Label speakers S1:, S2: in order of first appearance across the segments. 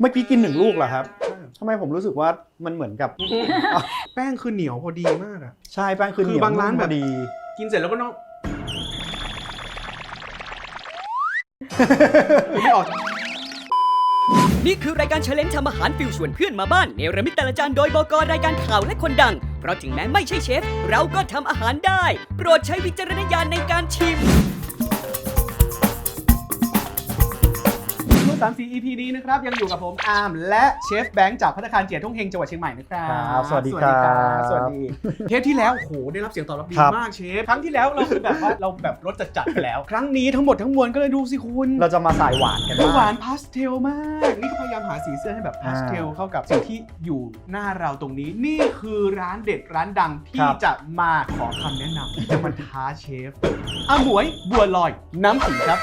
S1: เมื่อกี้กิน1 ลูกเหรอครับทำไมผมรู้สึกว่ามันเหมือนกับ
S2: แป้งคือเหนียวพอดีมากอะ
S1: ใช่แป้งคือเหนียว
S2: คือบางร้านแบบ
S1: พอดี
S2: กินเสร็จแล้วก็ต้องไม่ออก
S3: นี่คือรายการเชลเลนจ์ทำอาหารฟิวชวนเพื่อนมาบ้านเนรมิตแต่ละจานโดยบก.รายการข่าวและคนดัง เพราะถึงแม้ไม่ใช่เชฟ เราก็ทำอาหารได้ โปรดใช้วิจารณญาณในการชิม
S2: 34 EP นี้นะครับยังอยู่กับผมอาร์มและเชฟแบงค์จากภัตตาคารเจี๋ยทุ่งเฮงจังหวัดเชียงใหม่นะครับ
S1: ครับสวัสดีครับ
S2: สวัสดีเทปที่แล้วโอ้โหได้รับเสียงตอบรับดี
S1: ครับ
S2: มากเชฟครั้งที่แล้วเราคือแบบว่าเราแบบรสจัดๆไปแล้ว ครั้งนี้ทั้งหมดทั้งมวลก็เลยดูสิคุณ
S1: เราจะมาสายหวานกัน
S2: หวา
S1: บ้าง
S2: นพาสเทลมากนี่ก็พยายามหาสีเสื้อให้แบบพาสเทลเข้ากับสิ่งที่อยู่หน้าเราตรงนี้นี่คือร้านเด็ดร้านดังที่จะมาขอคำแนะนำที่จะมาท้าเชฟอาหมวยบัวลอยน้ำขิงครับ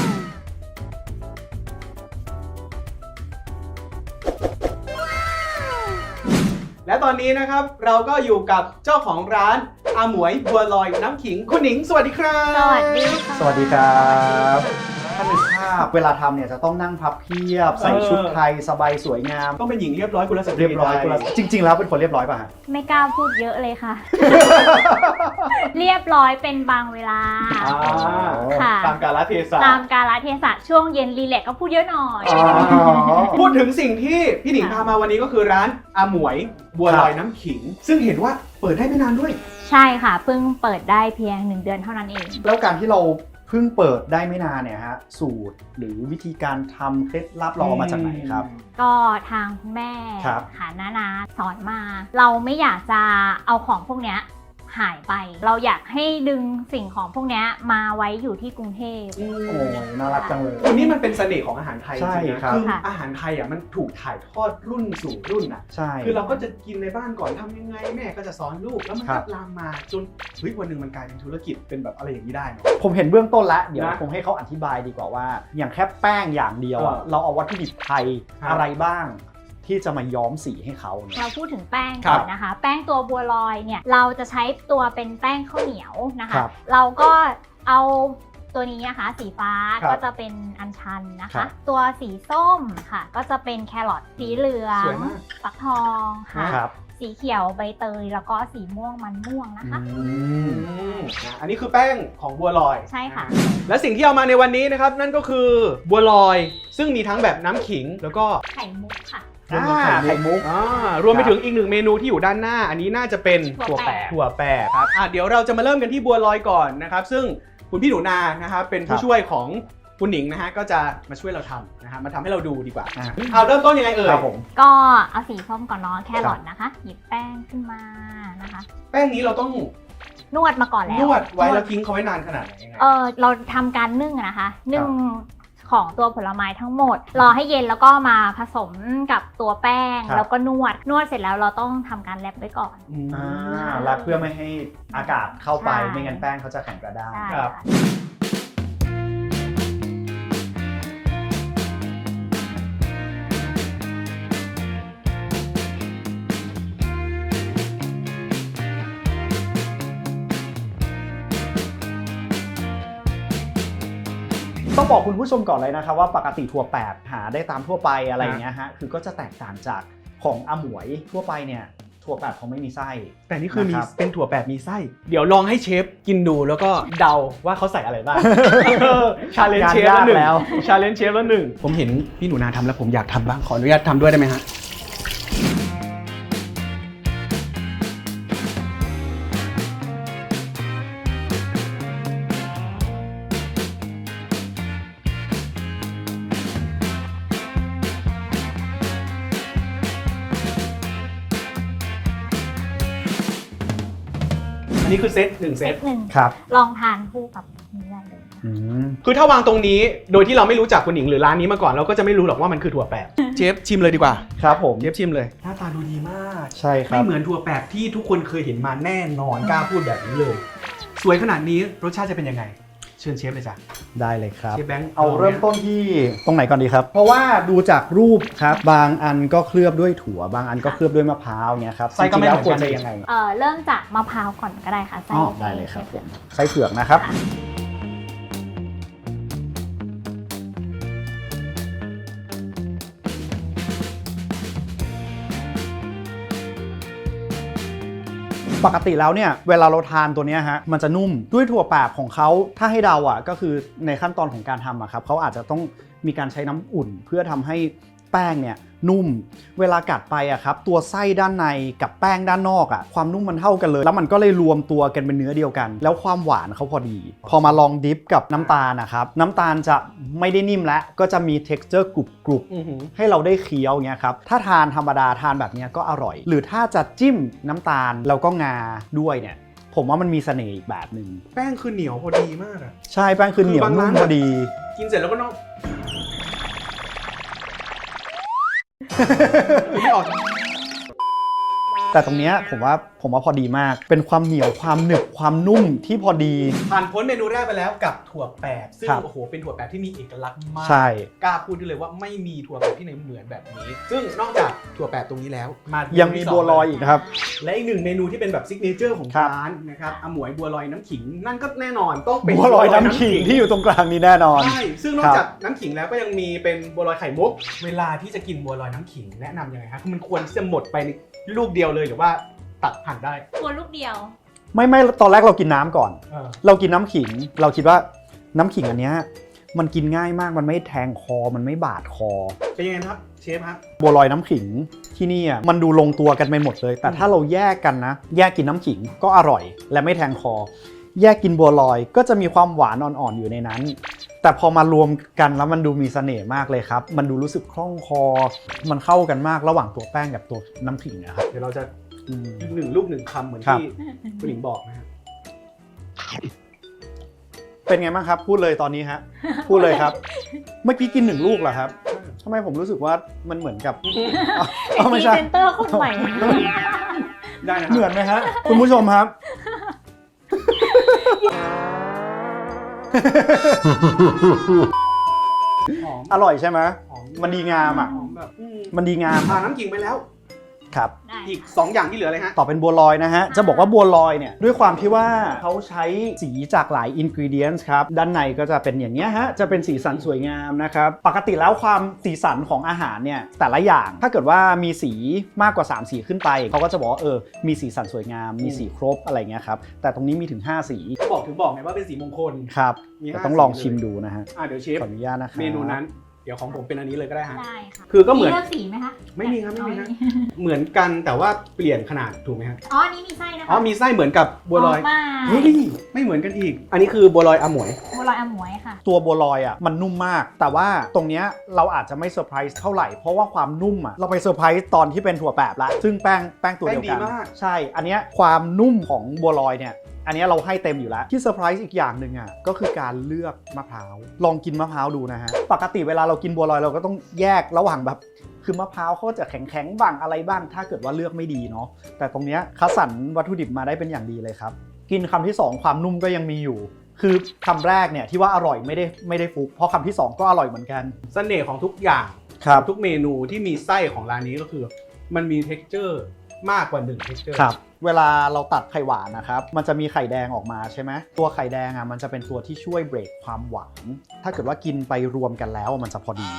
S2: และตอนนี้นะครับเราก็อยู่กับเจ้าของร้านอาหมวยบัวลอยน้ำขิงคุณหนิงสวัสดีครับ
S4: สวัสดีค่ะ
S1: สวัสดีครับถ้านึกภาพเวลาทำเนี่ยจะต้องนั่งพับเพียบใส่ชุดไทยสบายสวยงาม
S2: ต้องเป็นหญิงเรียบร้อยกุลสตรี
S1: เรียบร้อยกุลจริง ๆ แล้วเป็นคนเรียบร้อยป่ะฮะ
S4: ไม่กล้าพูดเยอะเลยค่ะ เรียบร้อยเป็นบางเวลา ค่ะ
S2: ตามกาลเทศะ
S4: ตามกาลเทศะช่วงเย็นรีแลกซ์ก็พูดเยอะหน่อย
S1: อ๋อ
S2: พูดถึงสิ่งที่พี่หนิงพามาวันนี้ก็คือร้านอาหมวยบัวลอยน้ำขิง ซึ่งเห็นว่าเปิดได้ไม่นานด้วย
S4: ใช่ค่ะเพิ่งเปิดได้เพียง1 เดือนเท่านั้นเอง
S1: แล้วการที่เราเพิ่งเปิดได้ไม่นานเนี่ยฮะสูตรหรือวิธีการทำเคล็ดลับเราเอามาจากไหนครับ
S4: ก็ทางคุณแม่
S1: ครับ
S4: ค่ะนาสอนมา เราไม่อยากจะเอาของพวกเนี้ยหายไป เราอยากให้ดึงสิ่งของพวกเนี้ยมาไว้อยู่ที่กรุงเทพ
S1: โอ้ยน่ารักจังเลย
S2: วันนี้มันเป็นเสน่ห์ของอาหารไทยจ
S1: ใช่
S2: ริงๆนะครับ คือ
S4: ค่ะ
S2: อาหารไทยอ่ะมันถูกถ่ายทอดรุ่นสู่รุ่นอ่ะ
S1: ใช่
S2: คือเราก็จะกินในบ้านก่อนทำยังไงแม่ก็จะสอนลูกแล้วมัน
S1: ครั
S2: ก็
S1: บ
S2: ลามมาจนเฮ้ยวันหนึ่งมันกลายเป็นธุรกิจเป็นแบบอะไรอย่างนี้ได้เนอะ
S1: ผมเห็นเบื้องต้นแล้วเดี๋ยว
S2: นะ
S1: ผมให้เขาอธิบายดีกว่าว่า อย่างแค่แป้งอย่างเดียวอะ
S2: เออ
S1: เราเอาวัตถุดิบไทย
S2: ครับ
S1: อะไรบ้าง ที่จะมาย้อมสีให้เขาเนี่ย
S4: เราพูดถึงแป้ง
S2: ครั
S4: ก่
S2: บ
S4: อนนะคะ แป้งตัวบัวลอยเนี่ยเราจะใช้ตัวเป็นแป้งข้าวเหนียวนะ
S1: ครั
S4: คะ
S1: บ
S4: เราก็เอาตัวนี้นะคะสีฟ้า
S1: ครับ
S4: ก็จะเป็นอัญชันนะ
S1: ครั
S4: คะ
S1: บ
S4: ตัวสีส้มค่ะ ก็จะเป็นแครอทสีเหลือง
S2: สวยมาก
S4: ฟักทองค่ะ
S1: ครับ
S4: สีเขียวใบเตยแล้วก็สีม่วงมันม่วงนะคะ
S2: อันนี้คือแป้งของบัวลอย
S4: ใช่ค่ะ
S2: และสิ่งที่เอามาในวันนี้นะครับนั่นก็คือบัวลอย ซึ่งมีทั้งแบบน้ำขิงแล้วก็
S4: ไข่มุกค่ะ
S1: ไข่มุก
S2: รวมไปถึงอีกหนึ่งเมนูที่อยู่ด้านหน้า อันนี้น่าจะเป็น
S4: ถั่วแปะ
S2: ถั่วแปะครับเดี๋ยวเราจะมาเริ่มกันที่บัวลอยก่อนนะครับซึ่งคุณพี่หนูนานะครับเป็นผู้ช่วยของคุณหนิงนะฮะก็จะมาช่วยเราทำนะฮะมาทำให้เราดูดีกว่าเอาเริ่มต้นยังไงเอ่ย
S1: ครับผม
S4: ก็เอาสีส้มก่อนเนาะแครอทนะคะ หยิบแป้งขึ้นมานะคะ
S2: แป้งนี้เราต้อง
S4: นวดมาก่อนแล้ว
S2: นวดไว้แล้วทิ้งเขาไว้นานขนาดไหนยังไง
S4: เราทำการนึ่งอะนะคะ นึ่งของตัวผลไม้ทั้งหมด รอให้เย็นแล้วก็มาผสมกับตัวแป้ง
S1: ครับ
S4: แล้วก็นวดเสร็จแล้วเราต้องทำการแรปไว้ก่อน
S1: รัดเพื่อไม่ให้อากาศเข้าไป
S4: ใช่
S1: ไม่งั้นแป้งเขาจะแข็งกระด้าง
S4: ใช่
S2: ครับ
S4: ค่ะ
S1: ต้องบอกคุณผู้ชมก่อนเลยนะครับว่าปกติถั่วแปดหาได้ตามทั่วไปอะไรอย่างเงี้ยฮะคือก็จะแตกต่างจากของอาหมวยทั่วไปเนี่ยถั่วแปดเขาไม่มีไส้
S2: แต่นี่คือมี
S1: นะครับ
S2: เป็นถั่วแปดมีไส้ เดี๋ยวลองให้เชฟกินดูแล้วก็เดาว่าเขาใส่อะไรบ้าง ชาเลนจ์เชฟ
S1: งาน
S2: แล้วหนึ่ง
S1: ยากแล้ว
S2: ชาเลนจ์เชฟแล้วหนึ่งผมเห็นพี่หนูนาทำแล้วผมอยากทำบ้างขออนุญาตทำด้วยได้ไหมฮะอันนี้คือเซตหนึ่งเซ
S4: เซ
S2: ต
S4: ตหนึ่ง
S1: ครับ
S4: ลองทานคู่กับนี้ได้เลยนะคะ
S1: อืม
S2: คือถ้าวางตรงนี้โดยที่เราไม่รู้จักคุณหญิงหรือร้านนี้มาก่อนเราก็จะไม่รู้หรอกว่ามันคือถั่วแปบ เชฟชิมเลยดีกว่า
S1: ครับผม
S2: เชฟชิมเลยหน้าตาดูดีมาก
S1: ใช่ครั
S2: ไม่
S1: บ
S2: เหมือนถั่วแปบที่ทุกคนเคยเห็นมาแน่นอนกล้าพูดแบบนี้เลย สวยขนาดนี้รสชาติจะเป็นยังไง เชิญเชฟเลยจ้ะ
S1: ได้เลยครับ
S2: เชฟแบงค์
S1: เอาเริ่มต้นที่ตรงไหนก่อนดีครับ เพราะว่าดูจากรูปครับบางอันก็เคลือบด้วยถั่วบางอันก็เคลือบด้วยมะพร้าวเนี่ยครับ
S2: ไส้ก็ไม่เหมือน
S1: จริงๆแล้วควร
S2: กัน
S1: จะยังไง
S4: เริ่มจากมะพร้าวก่อนก็ได้ค่ะไส้
S1: อ๋อได้เลยครับผมไส้เผือกนะครับ
S4: ค
S1: ปกติแล้วเนี่ยเวลาเราทานตัวเนี้ยฮะมันจะนุ่มด้วยถั่วแปบของเขาถ้าให้เดาอ่ะก็คือในขั้นตอนของการทำอ่ะครับเขาอาจจะต้องมีการใช้น้ำอุ่นเพื่อทำให้แป้งเนี่ยนุ่มเวลากัดไปอ่ะครับตัวไส้ด้านในกับแป้งด้านนอกอ่ะความนุ่มมันเท่ากันเลยแล้วมันก็เลยรวมตัวกันเป็นเนื้อเดียวกันแล้วความหวานเขาพอดีพอมาลองดิฟกับน้ำตาลนะครับน้ำตาลจะไม่ได้นิ่มแล้วก็จะมี texture กรุบๆให้เราได้เคี้ยวเงี้ยครับถ้าทานธรรมดาทานแบบนี้ก็อร่อยหรือถ้าจะจิ้มน้ำตาลแล้วก็งาด้วยเนี่ยผมว่ามันมีเสน่ห์อีกแบบหนึ่ง
S2: แป้งคือเหนียวพอดีมากอะ
S1: ใช่แป้งคือเหนียวนุ่มพอดี
S2: กินเสร็จแล้วก็ต้อง ไม่ออก
S1: แต่ตรงเนี้ยผมว่าพอดีมากเป็นความเหนียวความหนึบความนุ่มที่พอดี
S2: ผ่านพ้นเมนูแรกไปแล้วกับถั่วแปบซึ่ง
S1: ครับ
S2: โอ้โหเป็นถั่วแปบที่มีเอกลักษณ์มาก
S1: ใช่
S2: กล้าพูดได้เลยว่าไม่มีถั่วแปบที่ไหนเหมือนแบบนี้ ซึ่งนอกจากถั่วแปบตรงนี้แล้วมา
S1: ยังมีบัวลอยอีกครับ
S2: และอีกหนึ่งเมนูที่เป็นแบบซิกเนเจอร์ของ
S1: ครับ
S2: ร้านนะครับอมวยบัวลอยน้ำขิงนั่นก็แน่นอนต้องเป็น
S1: บัวลอยน้ำขิงที่อยู่ตรงกลางนี้แน่นอน
S2: ใช่ซึ่งนอกจากน้ำขิงแล้วก็ยังมีเป็นบัวลอยไข่มุกเวลาที่จะกินบัวลอยน้ำขิงแนะนำยังไงครับคือมันควรที่จะหมดไปในลูกเดียวเลยหรือว่าตัดหั่นได้
S4: ตัวลูกเดียว
S1: ไม่ตอนแรกเรากินน้ำก่อน
S2: เออ
S1: เรากินน้ำขิงเราคิดว่าน้ำขิงอันเนี้ยมันกินง่ายมากมันไม่แทงคอมันไม่บาดคอ
S2: เป็นยังไงครับเชฟครับ
S1: บัวลอยน้ำขิงที่นี่อ่ะมันดูลงตัวกันไปหมดเลย แต่ถ้าเราแยกกันนะ แยกกินน้ำขิงก็อร่อย และไม่แทงคอ แยกกินบัวลอยก็จะมีความหวานอ่อนๆอยู่ในนั้น แต่พอมารวมกันแล้วมันดูมีเสน่ห์มากเลยครับมันดูรู้สึกคล่องคอ มันเข้ากันมากระหว่างตัวแป้งกับตัวน้ำขิงนะครับ
S2: เดี๋ยวเราจะ
S1: อืม
S2: อีกหนึ่งลูกหนึ่งคำเหมือน
S1: ครับ
S2: ที่คุณหญิงบอกนะครับ
S1: เป็นไงบ้างครับ พูดเลยตอนนี้ฮะพูดเลยครับ เมื่อกี้กิน1 ลูกเหรอครับทำไมผมรู้สึกว่ามันเหมือนกับเอาไม่
S4: พรี
S1: ใช่
S4: เซนเตอร์คนใหม่
S2: ได้นะค
S1: เหมื
S2: รั
S1: อบ นไหมฮะคุณผู้ชมครับ
S2: หอม
S1: อร่อยใช่ไหม
S2: หอม
S1: มันดีงามอ่ะ
S2: หอมแบบ
S1: มันดีงาม
S2: ผ่านน้ำขิงไปแล้ว
S1: ครับ
S4: ได้
S2: อีก 2 อย่างที่เหลือเลยฮะ
S1: ต่อเป็นบัวลอยนะฮะ จะบอกว่าบัวลอยเนี่ยด้วยความที่ว่าเขาใช้สีจากหลายอินกรีเดียนส์ครับ ด้านในก็จะเป็นอย่างนี้ยฮะ จะเป็นสีสันสวยงามนะครับ ปกติแล้วความสีสันของอาหารเนี่ยแต่ละอย่าง ถ้าเกิดว่ามีสีมากกว่า3สีขึ้นไป เขาก็จะบอกว่ามีสีสันสวยงาม มีสีครบอะไรเงี้ยครับ แต่ตรงนี้มีถึง5สี
S2: ถึงบอกไงว่าเป็นสีมงคล
S1: ครับ
S2: มี
S1: แต่
S2: 5
S1: ต้องลอง
S2: สีเลย
S1: ชิมดูนะฮะ
S2: เดี๋ยวเชฟ
S1: ขออนุญาตนะครับ
S2: เมนูนั้น เดี๋ยวของผมเป็นอันนี้เลยก็ได้ฮะ
S4: ได้ค่ะ
S2: คือก็เหมือน
S4: เลือกสีไหมคะ
S2: ไม่มีครับไม่มีนะ เหมือนกันแต่ว่าเปลี่ยนขนาดถูกไหมฮะ
S4: อ๋ออันนี้มีไส้นะคะ
S2: อ๋อมีไส้เหมือนกับบัวลอย
S4: มา
S2: เฮ้ยไม่เหมือนกันอีก อันนี้คือบัวลอยอมวย
S4: บัวลอยอมวยค่ะ
S1: ตัวบัวลอยอ่ะมันนุ่มมาก แต่ว่าตรงเนี้ยเราอาจจะไม่เซอร์ไพรส์เท่าไหร่เพราะว่าความนุ่มอ่ะเราไปเซอร์ไพรส์ตอนที่เป็นถั่วแปบละซึ่งแป้งตัวเดียวกัน
S2: แป้งดีมาก
S1: ใช่ อันเนี้ยความนุ่มของบัวลอยเนี่ยอันเนี้ยเราให้เต็มอยู่แล้วที่เซอร์ไพรส์อีกอย่างหนึ่งอ่ะก็คือการเลือกมะพร้าวลองกินมะพร้าวดูนะฮะปกติเวลาเรากินบัวลอยเราก็ต้องแยกระหว่างแบบคือมะพร้าวเขาจะแข็งๆบ้างอะไรบ้าง ถ้าเกิดว่าเลือกไม่ดีเนาะแต่ตรงเนี้ยคัดสรรวัตถุดิบมาได้เป็นอย่างดีเลยครับกินคำที่สองความนุ่มก็ยังมีอยู่ คือคำแรกเนี่ยที่ว่าอร่อยไม่ได้ฟุกเพราะคำที่2ก็อร่อยเหมือนกัน
S2: เสน่ห์ของทุกอย่าง
S1: ครับ
S2: ทุกเมนูที่มีไส้ของร้านนี้ก็คือ มันมี texture มากกว่า1 texture
S1: ครับเวลาเราตัดไข่หวานนะครับมันจะมีไข่แดงออกมาใช่ไหมตัวไข่แดงอ่ะมันจะเป็นตัวที่ช่วยเบรกความหวาน ถ้าเกิดว่ากินไปรวมกันแล้วมันจะพอดี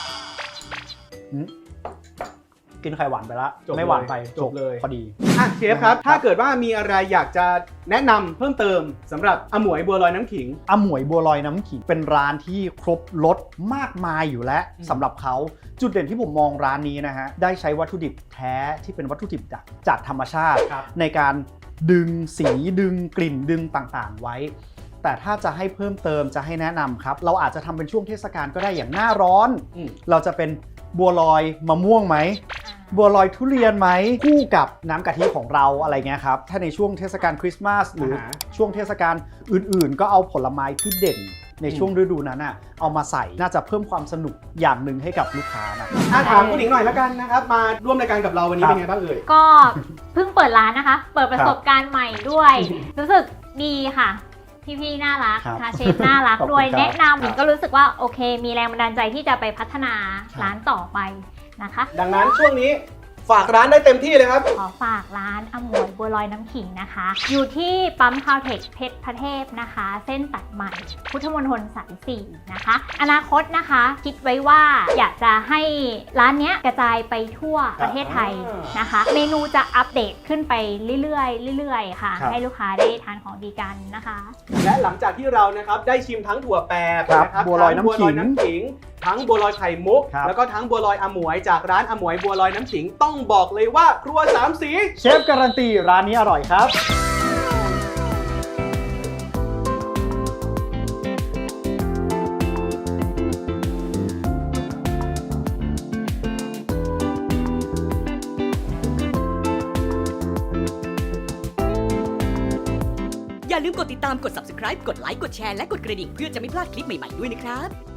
S1: กินไข่หวานไปละ
S2: จบเลย
S1: ไม่หวานไป
S2: จบเลย
S1: พอดี
S2: เชฟครับ ถ้าเกิดว่ามีอะไรอยากจะแนะนำเพิ่มเติมสำหรับอมวยบัวลอยน้ำขิง
S1: อมวยบัวลอยน้ำขิงเป็นร้านที่ครบรสมากมายอยู่แล้วสำหรับเขาจุดเด่นที่ผมมองร้านนี้นะฮะได้ใช้วัตถุดิบแท้ที่เป็นวัตถุดิบจากธรรมชาติ
S2: ครับ
S1: ในการดึงสีดึงกลิ่นดึงต่างๆไว้ แต่ถ้าจะให้เพิ่มเติมจะให้แนะนำครับเราอาจจะทำเป็นช่วงเทศกาลก็ได้อย่างหน้าร้อน เราจะเป็นบัวลอยมะม่วงไหมบัวลอยทุเรียนไหมคู่กับน้ำกะทิของเราอะไรเงี้ยครับถ้าในช่วงเทศกาลคริสต์มาสหรือช่วงเทศกาลอื่นๆ ก็เอาผลไม้ที่เด่นในช่วงฤดูนั้นเอามาใส่น่าจะเพิ่มความสนุกอย่างหนึ่งให้กับลูกค้านะ
S2: ถามคุณหญิงหน่อยแล้วกันนะครับ มาร่วมรายการกับเราวันนี้เป็นไงบ้างเอ่ย
S4: ก็เพิ่งเปิดร้านนะคะ เปิดประสบการณ์ใหม่ด้วย รู้สึกดีค่ะ พี่ๆน่ารัก
S1: ครับ
S4: ค่ะเชฟน่ารัก
S1: ขอบคุณ
S4: ด้วย
S1: ครับ
S4: แนะนำหญิงก็รู้สึกว่าโอเค มีแรงบันดาลใจที่จะไปพัฒนาร้านต่อไปนะคะ
S2: ดังนั้นช่วงนี้ฝากร้านได้เต็มที่เลยครับ
S4: ขอฝากร้านอมวยบัวลอยน้ำขิงนะคะ อยู่ที่ปั๊มคาวเทคเพชรพระเทพนะคะ เส้นตัดใหม่พุทธมณฑลสาย4นะคะ อนาคตนะคะคิดไว้ว่าอยากจะให้ร้านเนี้ยกระจายไปทั่วประเทศไทยนะคะ เมนูจะอัปเดตขึ้นไปเรื่อยๆค่ะ
S1: ครับ
S4: ให้ลูกค้าได้ทานของดีกันนะคะ
S2: และหลังจากที่เรานะครับได้ชิมทั้งถั่วแปบ
S1: ครับ
S2: นะครับ
S1: บัวลอยน้ำขิง
S2: ทั้งบัวลอยน้ำขิง ทั้งบัวลอยไข่มุก
S1: ครับ
S2: แล้วก็ทั้งบัวลอยอมวยจากร้านอมวยบัวลอยน้ำขิงต้องบอกเลยว่าครัวสามสี
S1: เชฟการันตีร้านนี้อร่อยครับ
S3: อย่าลืมกดติดตามกด subscribe กดไลค์กดแชร์และกดกระดิ่งเพื่อจะไม่พลาดคลิปใหม่ๆด้วยนะครับ